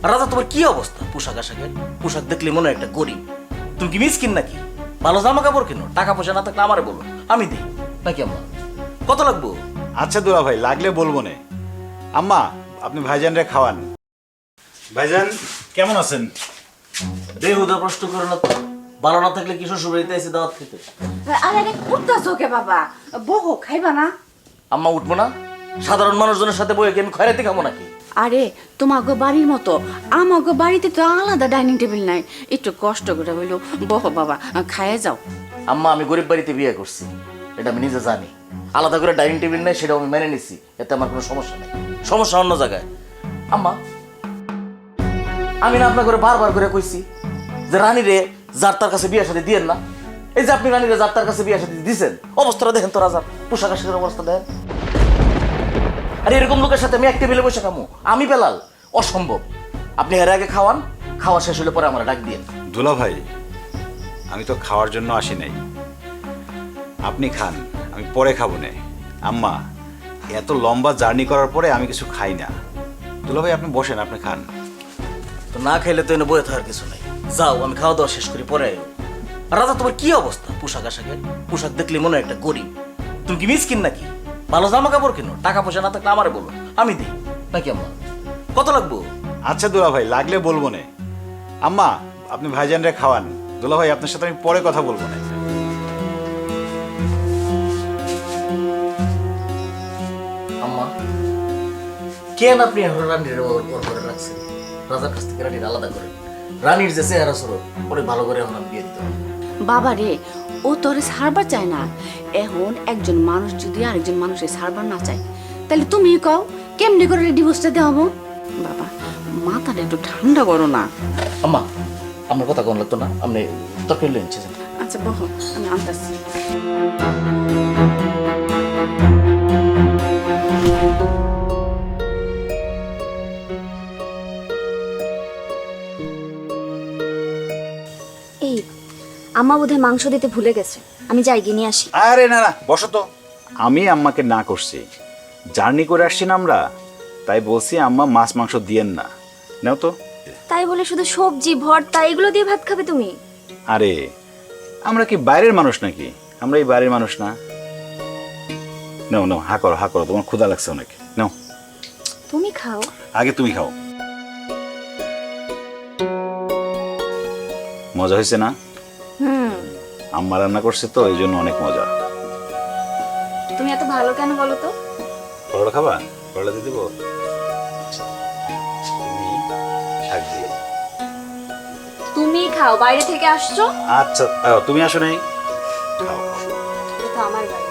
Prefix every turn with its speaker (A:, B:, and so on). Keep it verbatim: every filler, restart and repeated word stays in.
A: রাজা তোমার কি অবস্থা? পোশাক আশাকে পোশাক দেখলে মনে হয় একটা গরিব। তুমি কি মিসকিন নাকি? ভালো জামা কাপড় কেন, টাকা পয়সা না থাকলে আমারে বলো, আমি দিই নাকি? আম্মা কত লাগবো?
B: আচ্ছা দুলা ভাই, লাগলে বলবো না। আম্মা, আপনি ভাইজানরে খাওয়ান। ভাইজান কেমন আছেন?
A: বেহুদা প্রশ্ন করো না তো। ভালো না থাকলে কি শ্বশুর বাড়িতে এসে দাওয়াত খেতে?
C: আরে আরে উঠতাছো কে বাবা? বহো, খাইবা না?
A: আম্মা উঠবো না? সাধারণ মানুষজনের সাথে বইয়ে কি আমি খয়রাতি খাবো নাকি?
C: আরে তোমাকে বাড়ির মতো আমাকে বাড়িতে তো আলাদা ডাইনিং টেবিল নাই। একটু কষ্ট করে হইলো বহো বাবা, খাইয়ে যাও।
A: আম্মা আমি গরিব বাড়িতে বিয়ে করছি, এটা আমি নিজে জানি। আলাদা করে ডাইনিং টেবিল নেই সেটাও আমি মেনে নিছি, এতে আমার কোনো সমস্যা নেই। সমস্যা অন্য জায়গায়। আম্মা আমি না আপনার করে বারবার করে কইছি যে রানীরে যার তার কাছে বিয়ে সাথে দিয়েন না। এই যে আপনি রানীরে যার তার কাছে বিয়ে সাথে দিয়েছেন, অবস্থাটা দেখেন তো রাজার, পোশাক আশাকের অবস্থা দেখেন। আর এরকম লোকের সাথে আমি এক টেবিলে বসে খামু? আমি বেলাল? অসম্ভব। আপনি এর আগে খাওয়ান, খাওয়া শেষ হলে পরে আমার ডাক দিয়ে।
B: দুলা ভাই, আমি তো খাওয়ার জন্য আসি নাই। আপনি খান, আমি পরে খাবো না। আম্মা, এত লম্বা জার্নি করার পরে আমি কিছু খাই না। দুলা ভাই আপনি বসেন, আপনি খান।
A: তো না খাইলে তো এনে বয়ে থাকার কিছু নাই। যাও, আমি খাওয়া দাওয়া শেষ করি পরে আইও। আর রাজা তোমার কি অবস্থা? পোশাক আশাকে পোশাক দেখলে মনে হয় একটা গরিব। তুমি কি মিসকিন নাকি? ভালো জামা কাপড় কেন, টাকা পয়সা না থাকলে আমারে বলো, আমি দিই নাকি? আম্মা কত লাগবো?
B: আচ্ছা দুলা ভাই, লাগলে বলবো না। আম্মা, আপনি ভাইজানরে খাওয়ান। দুলা ভাই আপনার সাথে আমি পরে কথা বলবো না।
A: আম্মা কেন আপনি এখন রানীর ওর করে রাখছেন? রাজার কাছ থেকে রানীর আলাদা করেন। রানীর যে চেহারা স্বরূপ অনেক ভালো করে এখন আমি বিয়ে দিতে হবে।
C: বাবা রে, ও তোরে ছাড়বার চায় না। এখন একজন মানুষ যদি আরেকজন মানুষের ছাড়বার না চায়, তাহলে তুমি কও কেমনি করে ডিভোর্সটা দেওয়াবো? বাবা, মাথাটা একটু ঠান্ডা করো না।
A: আম্মা আমার কথা কোন লাগতো না, আপনি তরকারি লয়ে নিচ্ছেন।
C: আচ্ছা বহো, আমি আনতাছি।
D: এই আম্মা বোধহয় মাংস দিতে ভুলে গেছে, আমি যাই গিয়ে নিয়ে আসি।
B: আরে না না, বসো তো। আমি আম্মাকে না করছি, জার্নি করে আসছি না আমরা, তাই বলছি আম্মা মাছ মাংস দিয়েন না। নাও তো।
D: তাই বলে শুধু সবজি ভর্তা এগুলো দিয়ে ভাত খাবে তুমি?
B: আরে আমরা কি বাইরের মানুষ নাকি? আমরা এই বাইরের মানুষ না। নাও নাও, হা করো হা করো, তোমার ক্ষুধা লাগছে অনেক। নাও,
D: তুমি খাও।
B: আগে তুমি খাও। মজা হয়েছে না?
D: হুম।
B: আম্মা রান্না করছে তো এই জন্য অনেক মজা।
D: তুমি এত ভালো কেন বলো তো?
B: পরোটা খাবা? পরোটা দিয়ে দেবো? তুমি শাক দিয়ে।
D: তুমি খাও, বাইরে থেকে আসছো।
B: আচ্ছা, আহ, তুমি আসো নাই? খাও খাও।
D: এটা তো আমার বাড়ি।